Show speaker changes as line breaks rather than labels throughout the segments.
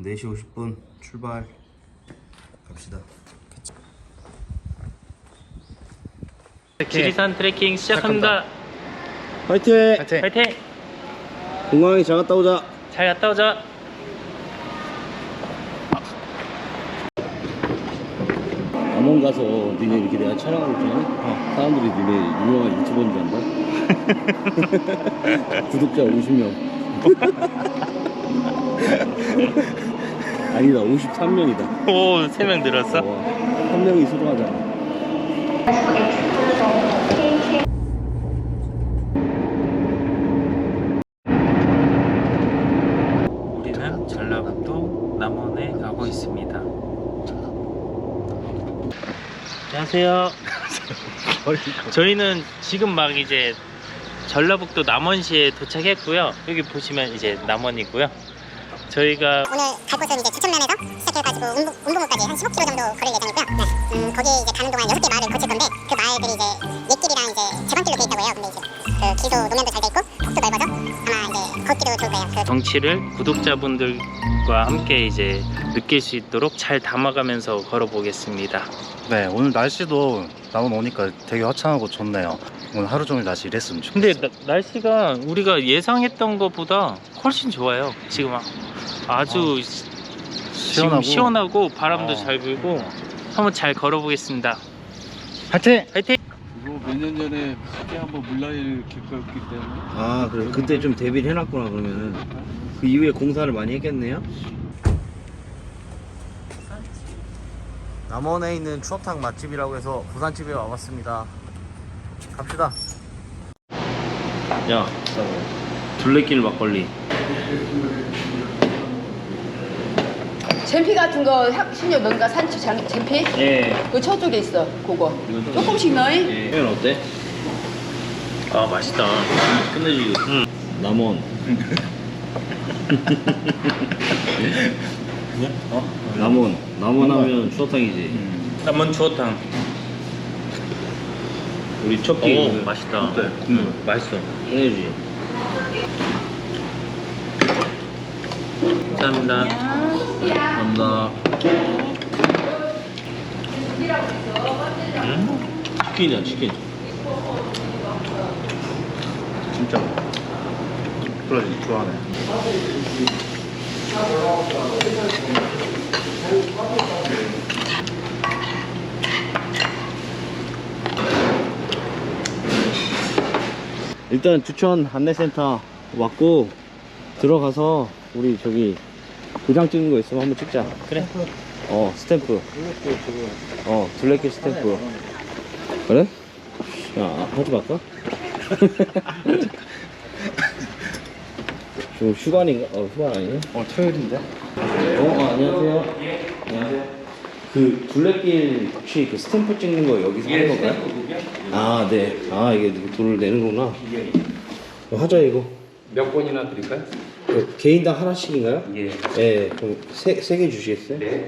4시 50분 출발. 갑시다.
지리산 트레킹 시작합니다.
화이팅!
파이팅!
공항에 잘 갔다 오자.
잘 갔다 오자.
남원 가서 니네 이렇게 내가 촬영하고 있잖아. 사람들이 니네 유명한 유튜버인 줄 안다. 구독자 50명. 아니다, 53명이다.
오, 3명 늘었어?
1명이 수동하잖아.
우리는 전라북도 남원에 가고 있습니다. 안녕하세요. 저희는 지금 막 이제 전라북도 남원시에 도착했고요. 여기 보시면 이제 남원이고요. 저희가
오늘 갈 곳은 이제 주천면에서 시작해가지고 운봉호까지 한 15km 정도 걸을 예정이고요. 네. 거기에 이제 가는 동안 6개 마을을 거칠 건데 그 마을들이 이제 옛길이랑 이제 제방길로 돼 있다고 해요. 근데 이제 그 기소 노면도 잘 돼 있고 폭도 넓어서 아마 이제 걷기도 좋을 거예요. 그
정치를 구독자분들과 함께 이제 느낄 수 있도록 잘 담아가면서 걸어보겠습니다.
네, 오늘 날씨도 남원 오니까 되게 화창하고 좋네요. 오늘 하루 종일 날씨 이랬으면 좋겠어요.
근데 날씨가 우리가 예상했던 것보다 훨씬 좋아요. 지금 아주 지금 시원하고 바람도 잘 불고 한번 잘 걸어보겠습니다.
파이팅!
파이팅!
이거 몇 년 전에 크게 한번 물난리를 겪었기 때문에
아, 그래. 그때 좀 대비를 해놨구나, 그러면은. 그 이후에 공사를 많이 했겠네요? 남원에 있는 추어탕 맛집이라고 해서 부산집에 와봤습니다. 갑시다. 야, 둘레길 막걸리.
잼피 같은 거 신용 뭔가 산초 잼피?
예.
그 저쪽에 있어. 그거 조금씩 넣어.
예. 형 어때?
아, 맛있다.
끝내주기. 남원. 남원 하면 추어탕이지.
남원 추어탕.
우리 첫 끼.
오, 맛있다. 맛있어.
끝내주지.
감사합니다.
감사합니다. 치킨이야, 치킨.
진짜 그래, 좋아하네.
일단 주천 안내센터 왔고 들어가서 우리 저기 도장 찍는 거 있으면 한번 찍자.
그래.
스탬프. 둘레길 스탬프. 그래? 야, 하지 말까? 지금 휴관인가? 휴관 아니네?
토요일인데?
안녕하세요. 안녕하세요. 그 둘레길 혹시 그 스탬프 찍는 거 여기서 하는 건가요? 아, 네. 아, 이게 돈을 내는구나. 하자 이거.
몇 번이나 드릴까요?
개인당 하나씩인가요?
예.
네. 그럼 세 개 주시겠어요?
네.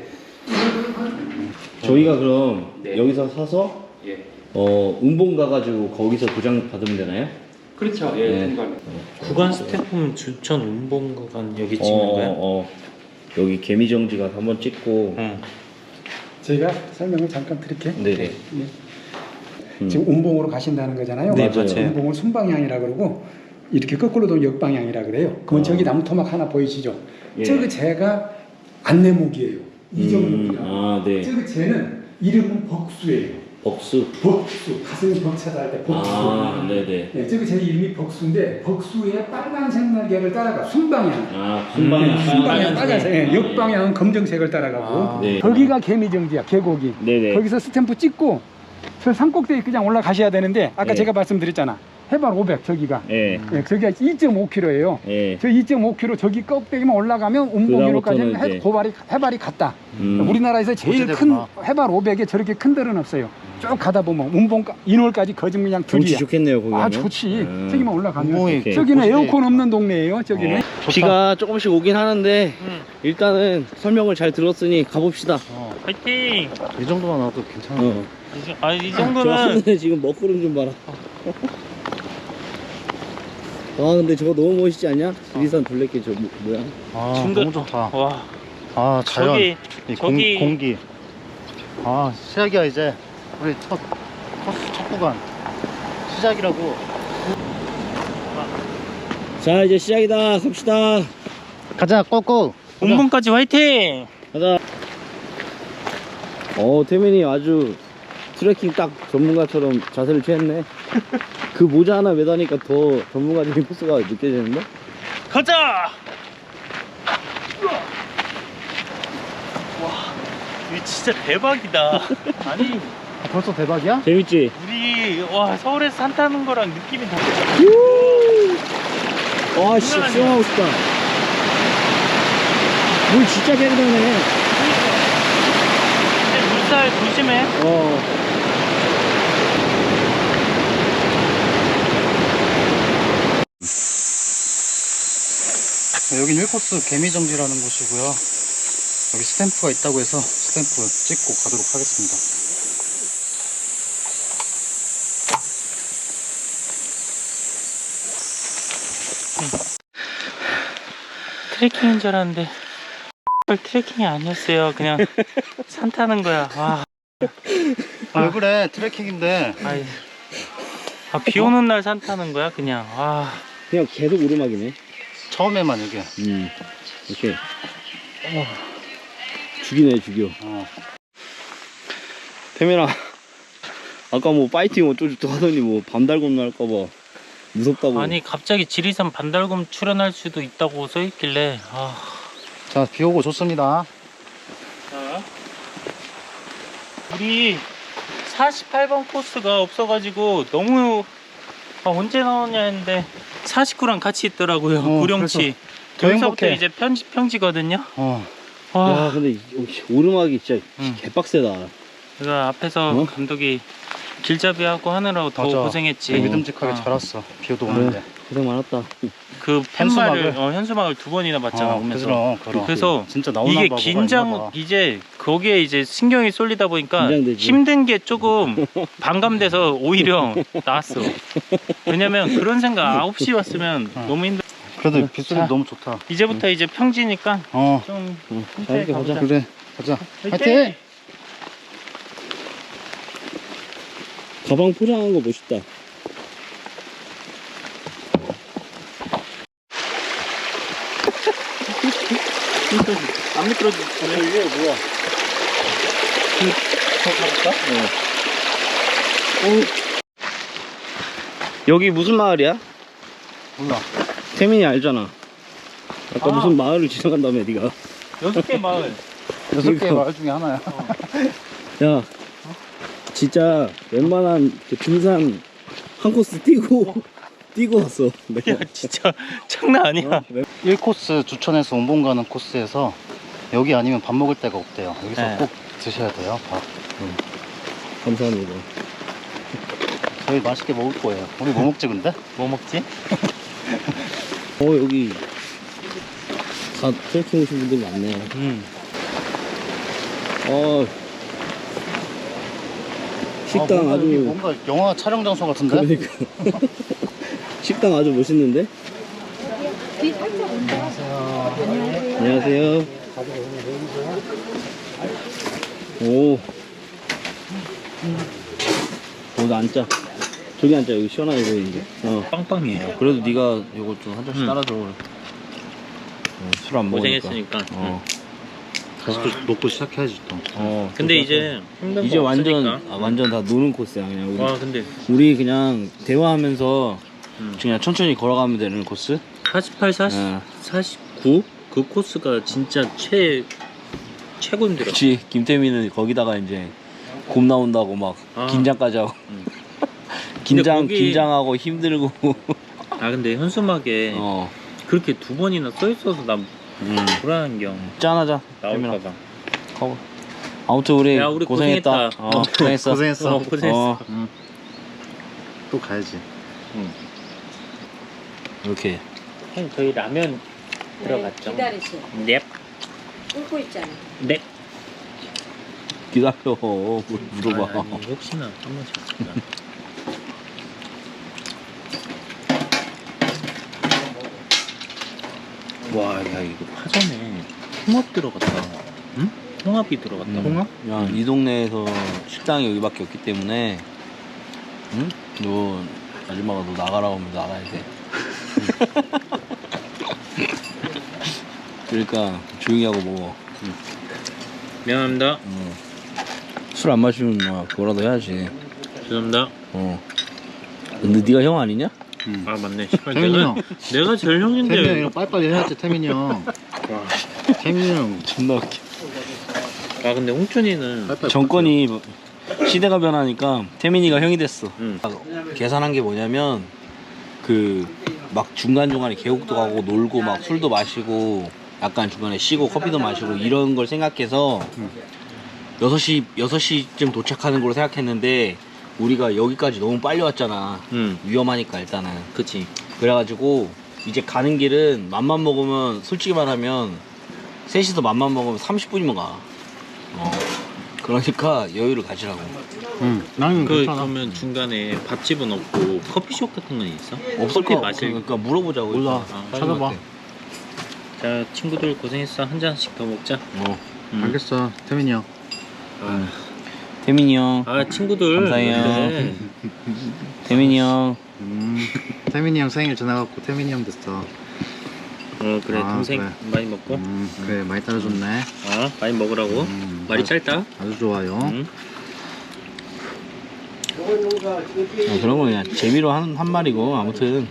저희가 그럼
네.
여기서 사서
예.
운봉 가가지고 거기서 도장 받으면 되나요?
그렇죠. 예.
네.
중간에.
구간 스태프는 주천 운봉구간 여기 찍는 거야?
여기 개미정지가 한번 찍고.
응.
저희가 설명을 잠깐 드릴게요.
네네.
지금 운봉으로 가신다는 거잖아요.
네, 맞아요.
운봉을 순방향이라 그러고 이렇게 거꾸로 도면 역방향이라 그래요. 그러면 저기 나무 토막 하나 보이시죠?
예.
저기 제가 안내목이에요. 이정목이라.
아, 네.
저기 쟤는 이름은 벅수예요.
벅수.
벅수. 가슴이 벅차다 할 때 벅수.
아, 네네.
네, 저기 제 이름이 벅수인데 벅수의 빨간색 날개를 따라가 순방향.
아, 순방향.
순방향 빨간색. 네, 역방향은 검정색을 따라가고.
네.
거기가 개미정지야. 계곡이.
네네.
거기서 스탬프 찍고 저 산꼭대기 그냥 올라가셔야 되는데 아까
네.
제가 말씀드렸잖아. 해발 500 저기가.
예.
네, 저기가 2.5km예요.
예.
저 2.5km 저기 꼭대기만 올라가면 운봉이로까지
그다음부터는 이제
해발이 같다.
음.
우리나라에서 제일 큰
어찌됐구나.
해발 500에 저렇게 큰 데는 없어요. 쭉 가다 보면 운봉 인월까지 거진 그냥
경치
둘이야.
좋겠네요, 거기.
아 좋지. 저기만 올라가면.
운봉이
오케이.
저기는
곳이
에어컨 없는 동네예요. 저기는.
비가 조금씩 오긴 하는데 일단은 설명을 잘 들었으니 가봅시다.
파이팅!
이 정도만 와도 괜찮아.
이
저
정도는
하늘에 지금 먹구름 좀 봐라. 와, 근데 저거 너무 멋있지 않냐? 지리산 둘레길 저 뭐야?
아,
중간-
너무 좋다.
와,
아 자연
저기
이
저기
공기 아 시작이야 이제 우리 첫 코스 첫 구간 시작이라고
자 이제 시작이다. 갑시다.
가자 꼬꼬
본문까지 화이팅!
가자. 태민이 아주 트레킹 딱 전문가처럼 자세를 취했네. 그 모자 하나 매다니까 더 전문가적인 포스가 느껴지는데?
가자! 와, 이거 진짜 대박이다. 아니,
벌써 대박이야?
재밌지?
우리 와 서울에서 산 타는 거랑 느낌이 달라.
와, 씨, 수영하고 싶다. 물 진짜 깨끗하네.
근데 물살 조심해.
여긴 1코스 개미정지라는 곳이고요. 여기 스탬프가 있다고 해서 스탬프 찍고 가도록 하겠습니다.
트레킹인 줄 알았는데 트레킹이 아니었어요. 그냥 산 타는 거야. 와.
왜 그래 트레킹인데.
아이. 비 오는 날 산 타는 거야 그냥. 와.
그냥 계속 오르막이네.
처음에만 이게
이렇게. 죽이네, 죽여. 태민아, 아까 뭐 파이팅 어쩌고저쩌고 하더니 뭐 밤달곰 날까봐 무섭다고.
아니 갑자기 지리산 반달곰 출연할 수도 있다고 써있길래
자 비오고 좋습니다.
자, 우리 48번 코스가 없어가지고 너무 언제 나오냐 했는데 49랑 같이 있더라고요. 구룡치
더
여기서부터
행복해.
이제 평지거든요.
야, 근데 이 오르막이 진짜
응.
개빡세다.
제가 앞에서
어?
감독이 길잡이하고 하느라고 더
맞아.
고생했지.
되게 믿음직하게 잘 왔어. 비오도 오는데.
고생 많았다.
그
현수막을?
팻말을 현수막을 2번이나 봤잖아. 오면서.
그럼.
그래서
진짜 나오나
이게
봐, 뭐가
긴장
있나 봐.
이제 거기에 이제 신경이 쏠리다 보니까
긴장되지.
힘든 게 조금 반감돼서 오히려 나았어. 왜냐면 그런 생각 9시 왔으면 너무 힘들.
그래도 빗소리
자.
너무 좋다.
이제부터 이제 평지니까 좀
재밌게
가보자.
가자.
그래 가자.
화이팅!
화이팅!
가방 포장한 거 멋있다.
안 미끄러지.
이게 뭐야?
더 가볼까?
여기 무슨 마을이야?
몰라.
태민이 알잖아. 아까
아.
무슨 마을을 지나간다며 네가.
6개 마을.
6개 마을 중에 하나야.
야, 진짜 웬만한 그 등산 한 코스 뛰고 왔어. 내가.
야 진짜 장난 아니야.
1코스 주천에서 온봉 가는 코스에서 여기 아니면 밥 먹을 데가 없대요. 여기서
네.
꼭 드셔야 돼요. 밥.
감사합니다.
저희 맛있게 먹을 거예요. 우리 뭐 먹지 근데?
뭐 먹지?
여기 다 트레킹 오신 분들 많네. 식당
여기
아주
뭔가 영화 촬영 장소 같은데?
그러니까 식당 아주 멋있는데. 안녕하세요. 오. 여기 앉자. 저기 앉자. 여기 시원하게 보이는데.
빵빵이에요.
그래도 네가 이거 좀 한 잔씩 따라줘. 술 안 먹으니까.
고생했으니까.
다시 또 먹고 시작해야지 또.
근데 이제 힘든
이제
거
완전
없으니까.
완전 다 노는 코스야 그냥. 우리,
와 근데
우리 그냥 대화하면서 그냥 천천히 걸어가면 되는 코스.
48, 40,
어.
49? 그 코스가 진짜 최고 힘들어.
그렇지. 김태민은 거기다가 이제 곰 나온다고 막
아.
긴장까지 하고.
응.
긴장
거기-
긴장하고 힘들고.
근데 현수막에 그렇게 2번이나 써있어서 난 불안한 경
짠하자. 태민아.
나올까봐.
가봐. 아무튼 우리,
야, 우리
고생했다.
고생했다.
고생했어.
고생했어.
또 가야지.
이렇게.
형 저희 라면 들어갔죠?
기다리세요.
넵.
끓고 있잖아.
넵.
기다려. 물어봐.
아니, 혹시나 한 번씩. 와, 야 이거 파전에 홍합 들어갔다. 응? 홍합이 들어갔다.
홍합?
야, 이 동네에서 식당이 여기밖에 없기 때문에, 응? 너 아줌마가 너 나가라고 하면 나가야 돼. 그러니까 조용히 하고 먹어.
미안합니다.
술 안 마시면 막 그거라도 해야지.
죄송합니다.
근데 네가 형 아니냐?
아 맞네. 시발
태민이 형.
내가 제일 형인데.
태민이 형 빨리빨리 해야지 태민이 형. 태민이 형.
존나 웃겨.
아 근데 홍준이는
정권이 시대가 변하니까 태민이가 형이 됐어.
응.
계산한 게 뭐냐면 그 막 중간중간에 계곡도 가고 놀고 막 술도 마시고 약간 중간에 쉬고 커피도 마시고 이런 걸 생각해서 6시쯤 도착하는 걸로 생각했는데 우리가 여기까지 너무 빨리 왔잖아. 위험하니까 일단은.
그치.
그래가지고 이제 가는 길은 맘만 먹으면 솔직히 말하면 셋이서 맘만 먹으면 30분이면 가. 그러니까 여유를 가지라고.
나는 괜찮아.
그러면 중간에 밥집은 없고 커피숍 같은 건 있어?
없을
커피
거
마실.
그러니까 물어보자고.
몰라.
일단.
찾아봐.
자 친구들 고생했어. 한 잔씩 더 먹자.
알겠어 태민이 형.
태민이 형.
아 친구들.
감사해요.
그래.
태민이 형.
태민이 형 생일 지나갖고 태민이 형 됐어.
그래
아,
동생
그래.
많이 먹고.
그래 많이 따라줬네.
많이 먹으라고. 말이 짧다.
아주 좋아요.
그런 거 그냥 재미로 한 말이고 아무튼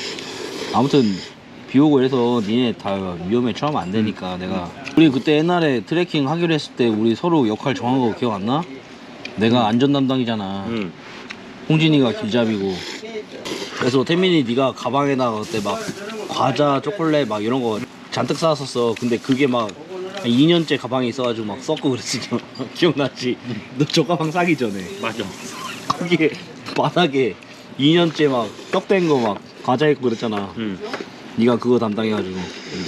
비 오고 이래서 니네 다 위험에 처하면 안 되니까 내가 우리 그때 옛날에 트레킹 하기로 했을 때 우리 서로 역할 정한 거 기억 안 나? 내가 안전 담당이잖아. 홍진이가 길잡이고. 그래서 태민이 네가 가방에다가 그때 막 과자, 초콜릿 막 이런 거 잔뜩 싸왔었어. 근데 그게 막 2년째 가방에 있어가지고 막 썩고 그랬었잖아. 기억났지? 너 저 가방 싸기 전에.
맞아.
거기에 바닥에 2년째 막 떡된 거 막 과자 있고 그랬잖아. 네가 그거 담당해가지고.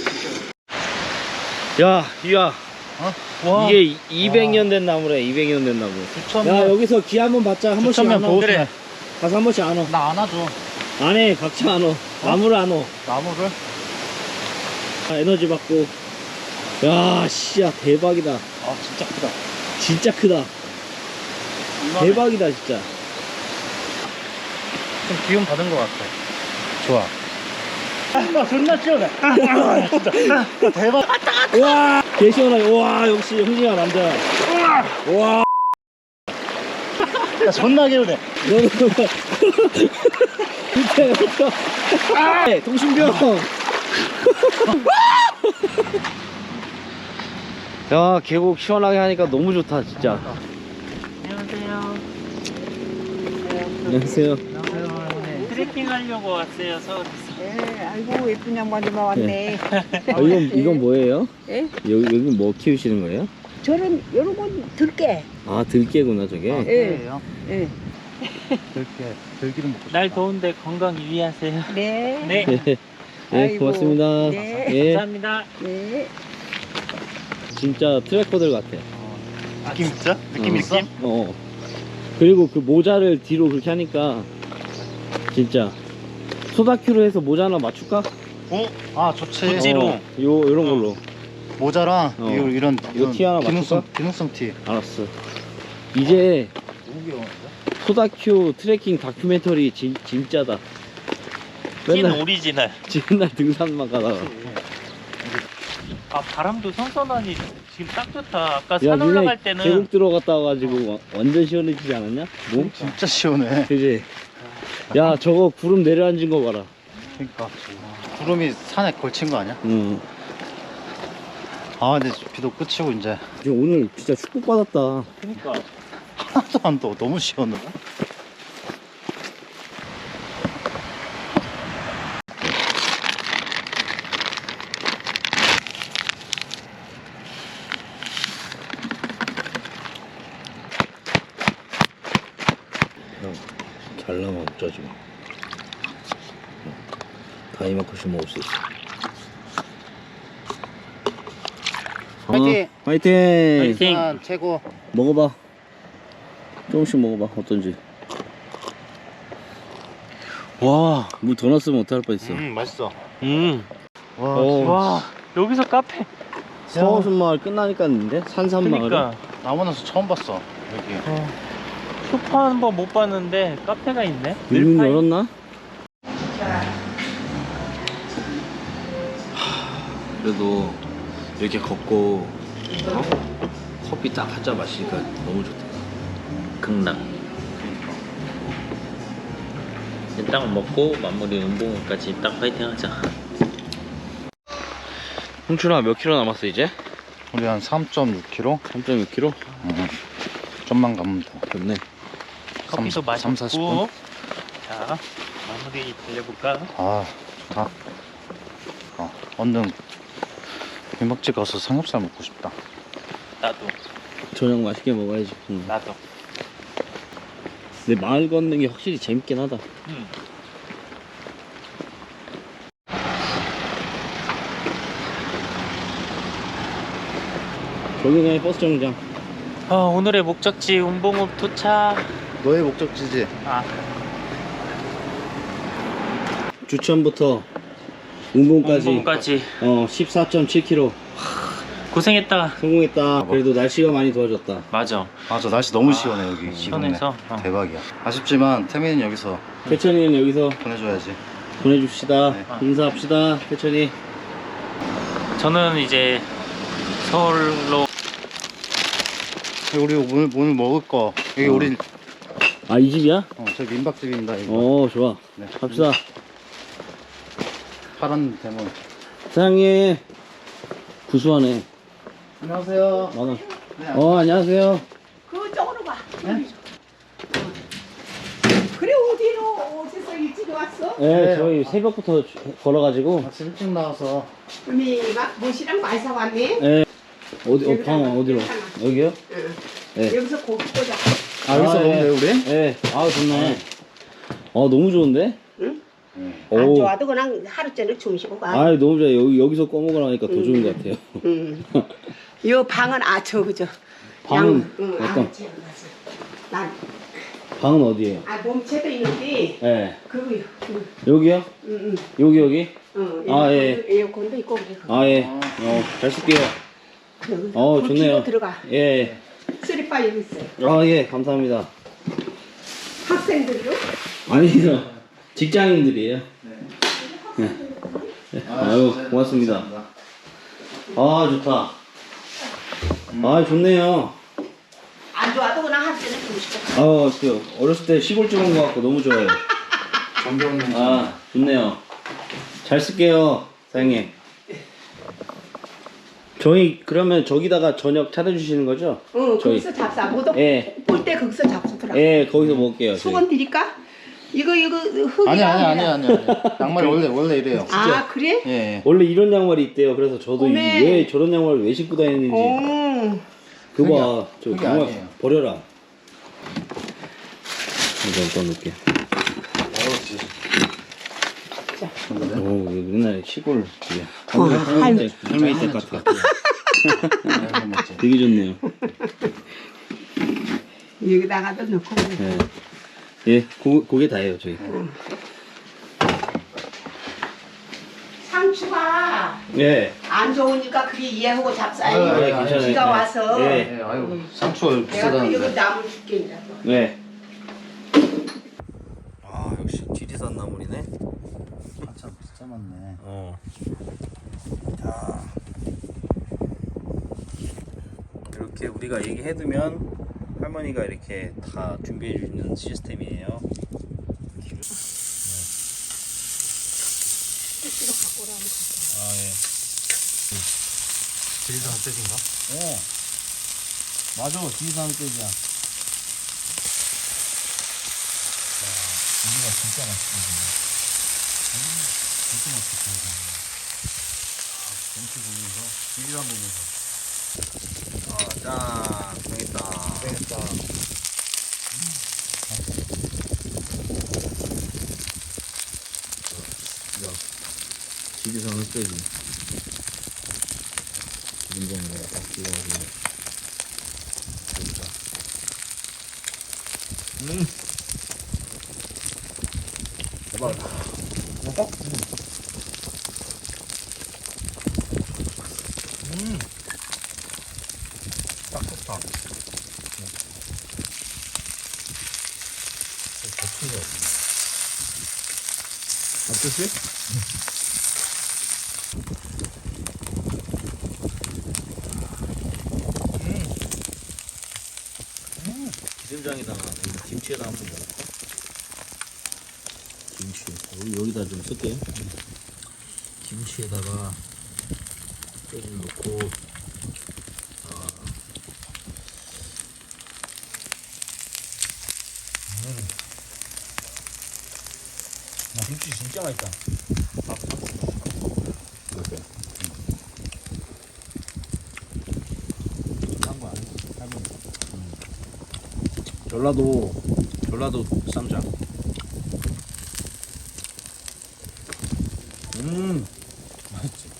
야, 이야.
와.
이게 200년 된 나무래. 200년 된 나무. 야, 여기서 기 한번 받자. 한 번씩 안 와.
그래.
가서 한 번씩 안 와.
나 안아줘.
안 해. 각자 안 와. 나무를 안 와.
나무를?
에너지 받고. 야, 씨야 대박이다.
아 진짜 크다.
진짜 크다. 대박이다 진짜.
좀 기운 받은 것 같아. 좋아. 존나 시원해. 진짜. 대박.
와, 개 시원하게. 와, 역시 형님아 남자. 와,
야, 존나 개운해.
너는 진짜. 네, 동신병. 야, 계곡 시원하게 하니까 너무 좋다 진짜. 안녕하세요.
트레킹 하려고 왔어요 서울에서.
예, 아이고 예쁜 양반이 왔네.
아, 이건 뭐예요?
예?
여기 뭐 키우시는 거예요?
저는 여러 번 들게.
아, 들깨구나 저게.
예. 예.
들기름 먹고.
날 더운데 건강 유의하세요.
네.
네.
네,
아이고,
고맙습니다.
네.
예,
감사합니다.
네.
진짜 트래커들 같아.
느낌 있어? 느낌 있어?
어. 그리고 그 모자를 뒤로 그렇게 하니까 진짜 소다큐로 해서 모자 하나 맞출까?
아 좋지.
구찌로.
요런 걸로.
모자랑
어.
이런
이거 티 하나
기능성
맞출까?
기능성 티.
알았어. 이제
너무 귀여워.
소다큐 트래킹 다큐멘터리 진짜다.
찐
맨날
오리지널.
맨날 등산만 가다가.
아 바람도 선선하니 지금 딱 좋다. 아까
야,
산
니네
올라갈 때는
계곡 들어갔다 와가지고 완전 시원해지지 않았냐? 몸?
진짜 시원해.
그지? 야, 저거 구름 내려앉은 거 봐라.
그러니까 구름이 산에 걸친 거 아니야?
응.
아 근데 비도 끝이고 이제
오늘 진짜 축복받았다.
그러니까
하나도 안 더워. 너무 시원해.
잘 나면 어쩌지 뭐. 다 이만큼씩 먹을 수 있어.
화이팅!
화이팅!
화이팅!
산 최고.
먹어봐. 조금씩 먹어봐. 어떤지. 와, 물 더 넣었으면 어떡할 뻔했어.
맛있어.
음.
와,
어.
와 여기서 카페
서호순마을 끝나니까 있는데? 산산마을.
그러니까
남원에서 처음 봤어 여기.
슈퍼 한번 못 봤는데 카페가 있네.
문
늘파이.
열었나? 그래도 이렇게 걷고 커피 딱 한 잔 마시니까 너무 좋다.
극락. 딱 먹고 마무리 운동까지 딱 파이팅하자.
홍춘아 몇 킬로 남았어 이제?
우리 한 3.6km?
3.6킬로?
좀만 가면 돼.
좋네.
커피도
3,
마셨고
40분?
자 마무리 달려볼까?
아 좋다. 얼른 민박집 가서 삼겹살 먹고 싶다.
나도
저녁 맛있게 먹어야지.
나도.
근데 마을 걷는 게 확실히 재밌긴 하다. 저기가 버스 정류장.
오늘의 목적지 운봉읍 도착.
너의 목적지지?
아
주천부터 운봉까지
운봉까지
14.7km
고생했다.
성공했다. 그래도 날씨가 많이 도와줬다.
맞아.
맞아 날씨 너무 시원해 여기.
시원해서
대박이야. 아쉽지만 태민이는 여기서
태천이는 여기서
보내줘야지.
보내줍시다.
네.
인사합시다. 태천이.
저는 이제 서울로
우리 오늘 먹을 거 여기 우리
아, 이 집이야?
저기 민박집입니다. 이거.
좋아.
네.
갑시다.
파란 대문.
사장님. 구수하네.
안녕하세요.
만원.
네,
안녕하세요.
그쪽으로 가. 그래 어디서 일찍 왔어?
네, 저희 새벽부터 걸어가지고.
아침 일찍 나와서
그러면 막 못이랑 많이 사왔네.
네. 방 어디로? 여기요?
응.
네.
여기서 고기 꽂아.
여기서
아,
먹으면
예.
돼요 우리?
네. 좋네. 너무 좋은데?
응?
오.
안 좋아도 그냥 하루 종일 주무시고 가.
너무 좋아. 여기서 꺼먹으라니까 더 좋은 것 같아요.
이 방은 그죠.
방은
응,
어떤?
난
방은 어디에요?
몸체도 있는데
네.
그거요.
여기요?
응.
여기?
예. 에어컨도 있고 그래.
예. 잘 쓸게요.
그
좋네요.
들어가.
예.
쓰리바 여기 있어요.
예. 감사합니다.
학생들도
아니요. 직장인들이에요. 네. 아유, 고맙습니다. 좋다. 좋네요.
안 좋아도 그냥 하루 종일 주무시고 가.
어렸을 때 시골 집 온 것 같고 너무 좋아요. 좋네요. 잘 쓸게요, 사장님. 저희 그러면 저기다가 저녁 차려주시는 거죠?
응,
저희.
거기서 잡사. 모두
예.
볼 때 거기서 잡수더라.
예, 거기서 먹을게요. 저희.
수건 드릴까? 이거 흙이야.
아니. 양말이 원래 이래요.
아 그래?
예.
원래 이런 양말이 있대요. 그래서 저도
어메.
왜 저런 양말을 왜 신고 다니는지. 그거 봐. 저
그게
양말
아니에요.
버려라. 이거 일단 놓을게. 옛날에 시골 집에. 할머니 댁 같아. 되게 좋네요.
여기다가도 넣고.
예. 예, 그게 다예요, 저희.
상추가
예.
안 좋으니까 그게 이해하고 잡사야지.
예, 괜찮아요.
비가
예.
와서
예.
예, 아유 상추가
내가 또 여기
비싸다는데.
나무 줄게 이제.
네. 역시 지리산 나물이네.
참 진짜 많네.
자, 이렇게 우리가 얘기해두면 할머니가 이렇게 다 준비해주는 시스템이에요. 예.
지리산 흑돼지인가?
맞아, 지리산 흑돼지야.
이거 진짜 맛있거든요. 진짜 맛있겠다. 경치 보면서 지리산 보면서.
짠, 되겠다.
되겠다.
지리산 흑돼지. 기름장에다가 딱 찍어가지고. 대박이다.
좋다.
어떠세요? 기름장에다가 김치에다 한번 넣을까? 김치 여기다 좀 쓸게요. 김치에다가 좀 넣고 김치 진짜 맛있다. 이렇게. 딴거 아니야? 할머니. 전라도 쌈장. 맛있지.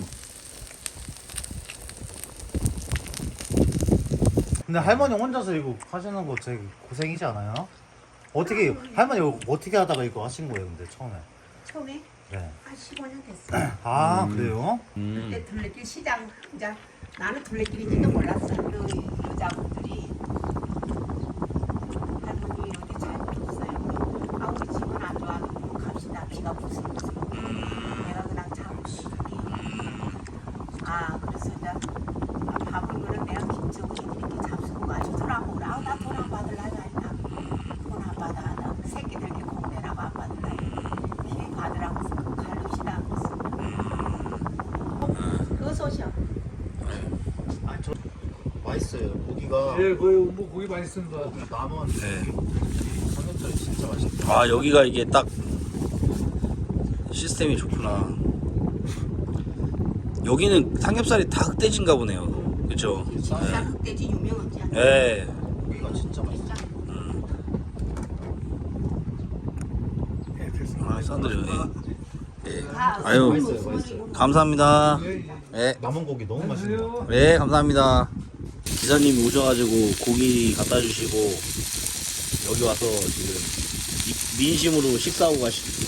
근데 할머니 혼자서 이거 하시는 거 되게 고생이지 않아요? 어떻게 할머니 이거 어떻게 하다가 이거 하신 거예요? 근데 처음에.
처음에
네.
한 15년 됐어.
아 그래요?
그때 둘레길 시장 이제 나는 둘레길인지도 몰랐어. 그 여자분들이 할머니 어디 잘못 없어요. 아 우리 집은 안 좋아도 갑시다. 비가 부서져서 내가 그냥 잠시 아 그래서 이제 밥을 그래 내가 김치하고 이렇게 잡수고 가지고 돈 안 먹으라. 나 돈 안 받을라 했다. 돈 안 받아. 나 새끼들께 공내라고 안 받을라. 길 받으라고 해서 갈릅시다. 그거 소시오.
아저 맛있어요. 고기가.
예, 거의 뭐 고기 맛있습니다.
남은
네.
삼겹살이 진짜 맛있다.
아 여기가 이게 딱 시스템이 좋구나. 여기는 삼겹살이 다 흑돼지인가 보네요. 그죠?
쌀 흑돼지 유명하지 않아?
예.
고기가 진짜 맛있다.
아 싼들요. 예.
다
아유,
맛있어요.
감사합니다. 예.
남은 고기 너무 맛있네요.
네, 감사합니다. 기사님이 오셔가지고 고기 갖다 주시고 여기 와서 지금 민심으로 식사하고 가시고.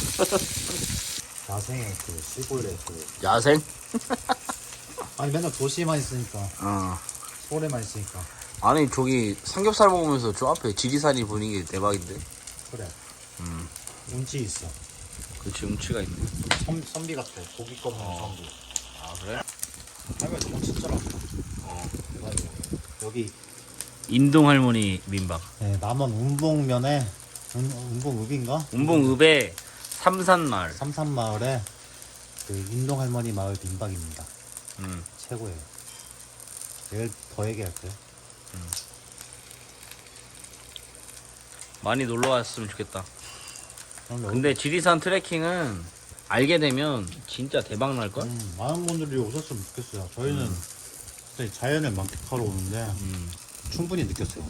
야생의 그 시골의 그
야생?
아니 맨날 도시에만 있으니까
어.
서울에만 있으니까
아니 저기 삼겹살 먹으면서 저 앞에 지리산이 분위기 대박인데.
그래. 운치 있어.
그치, 음치가 있네.
선비 같아. 고기 껍는 선비.
아 그래?
할머니 너무 친절하고. 대박이야. 여기
인동 할머니 민박.
네, 남원 운봉면에 운봉읍인가?
운봉읍의 삼산마을.
삼산마을에 그 인동 할머니 마을 민박입니다.
음.
최고예요. 내일 더 얘기할게요.
많이 놀러 왔으면 좋겠다.
그럼 여기
근데 지리산 트레킹은 알게 되면 진짜 대박 날걸?
많은 분들이 오셨으면 좋겠어요. 저희는 진짜 자연을 만끽하러 오는데 충분히 느꼈어요.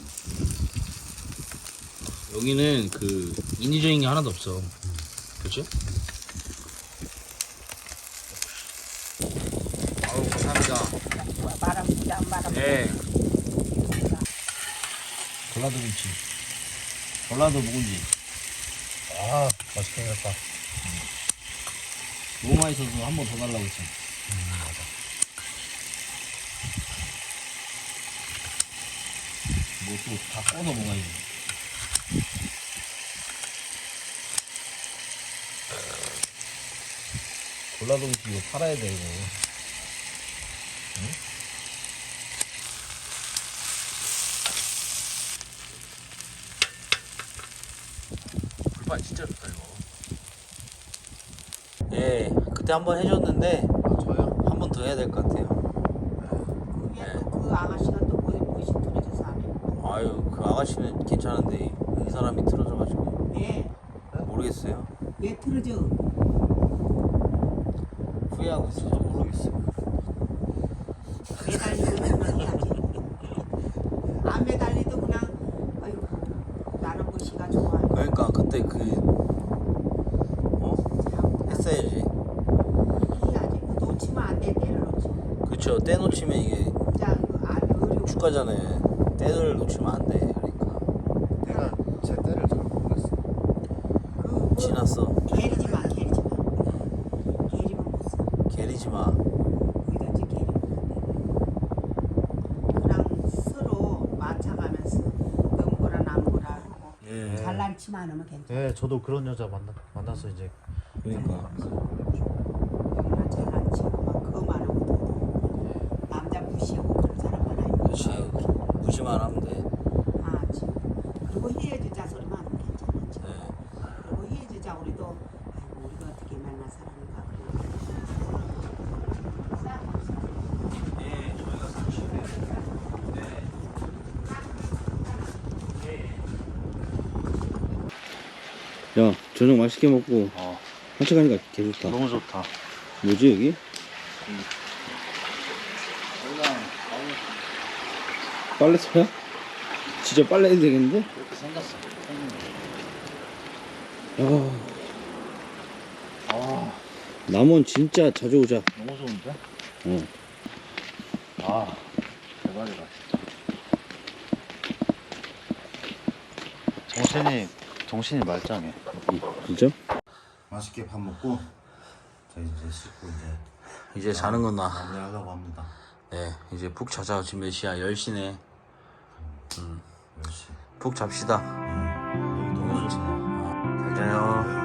여기는 그 인위적인 게 하나도 없어. 그렇지? 아우 감사합니다.
바람 부자 바람.
네. 전라도 김치. 전라도 묵은지.
아 맛있게 생겼다.
너무 맛있어서 한 번 더 달라고 했어.
맞아.
뭐 또 다 꺼서 먹어야지. 전라도 김치 이거 팔아야 돼 이거. 응? 불판 진짜 좋다 이거. 예, 그때 한 번 해줬는데
저요?
한 번 더 해야 될 것 같아요.
그게 또그 아가씨가 또 뭐시 틀어져서 안 해.
아유, 그 아가씨는 괜찮은데 이 사람이 틀어져가지고
네.
모르겠어요.
왜 틀어져?
후회하고 있어서 모르겠어요.
매달리고 있는 해야지. 안 매달리도 그냥 아이고 나는 무시가 좋아.
그러니까 그때 그 했어야지.
해야지. 그 놓치면 안 돼. 때를 놓치.
그쵸, 때 놓치면 이게
진짜 안 어려워.
축가잖아요. 때를 놓치면 안 돼. 그러니까
내가 제 때를 잘 모르겠어.
그
지났어.
게리지 마. 게리지 마. 게리면 못 써.
게리지 마.
거기다 이제 게리면 안 돼. 그냥 잘난치 많으면 괜찮아.
네, 저도 그런 여자 만나서 이제
그러니까.
여기는 잘난치 막 그거 많으면 남자 무시하고 그런 사람 많아요.
그렇지. 무시만 하면 돼.
아, 지금. 그리고 헤어지자 소리만 하면 괜찮았지.
네.
그리고 헤어지자 우리도 아이고 우리가 어떻게 만날 사람인가 그런.
야, 저녁 맛있게 먹고
어.
산책하니까 개 좋다.
너무 좋다.
뭐지 여기? 빨래터야? 진짜 빨래 해도 되겠는데?
이렇게 생겼어.
야, 남원 진짜 자주 오자.
너무 좋은데?
어.
아, 대박이다. 정신이 말짱해.
진짜?
맛있게 밥 먹고 저희 이제 씻고
이제 자는 건나.
마무리하려고 합니다.
네, 이제 푹 자자. 지금 몇 시야? 10시네.
10시.
푹 잡시다.
여기 너무 좋네.
잘 자요.